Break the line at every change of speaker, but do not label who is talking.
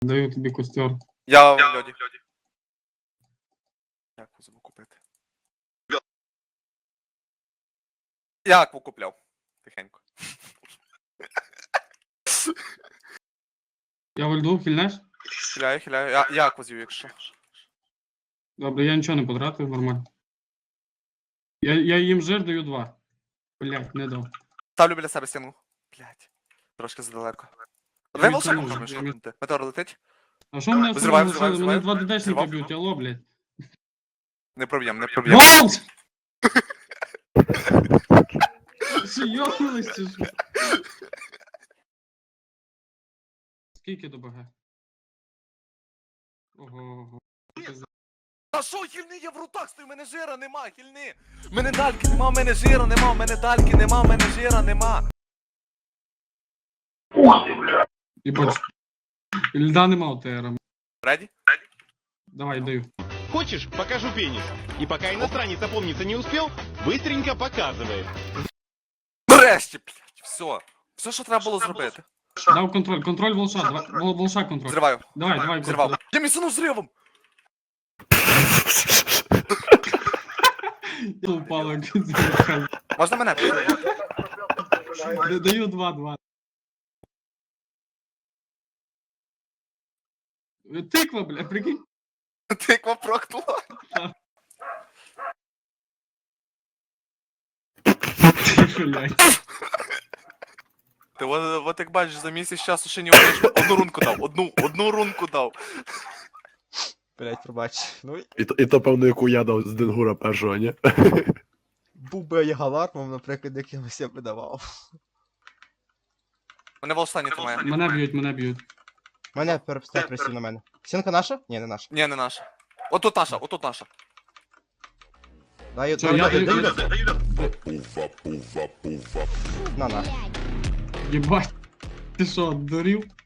Даю тобі костер.
Я в льоді. Як забув купити? Як купляв? Тихенько.
Я в льду, хильнеш?
Хиляю. Я козів, якщо.
Добре, я нічого не потратив, нормально. Я їм жир даю 2. Блять, не дав.
Ставлю біля себе стіну. Блять. Трошки задалеко.
Я
Ви
відтягнув,
волшебником
я
шукнути. Метеор летить?
А що мене
Взриваю,
лишили? Мене
взриваю.
2 ДДшники
Взривав.
б'ють, алло, блять.
Не проб'єм.
Волс! Що, йохнулись чи що? Скільки до БГ? Ого.
А що, хільни, я в рутах стою, мене жира нема, хільни! Мене дальки нема, мене жира нема, мене дальки нема, мене жира нема.
Єбать. Льда нема у ТР.
Реді?
Давай, даю.
Хочешь, покажу пенис. И пока иностранец опомниться не успел, быстренько показывает.
Нарешті, блять, все. Все, що треба було зробити.
Дав контроль. Контроль волша. Волша контроль.
Зриваю.
Давай,
Зривав. Я місцину зривом!
Я упала, як він зривав.
Можна мене підтримати?
Даю 2. Тиква, бля, прикинь.
Тиква прокнула.
Блядь.
Ти от як бачиш, за місяць часу ще не одну рунку дав. Одну рунку дав.
Блять, пробач. Ну,
І то, певно, яку я дав з Денгура першого, ні?
був би я галармом, наприклад, якимось я би давав.
Мене в останній тримає.
Мене б'ють.
Мене переписав присів на мене. Сінка наша? Ні, не наша.
Ні, не наша. Отут наша.
Даю,
Що, я
даю.
даю?
На.
Єбать. Ти що, дурів?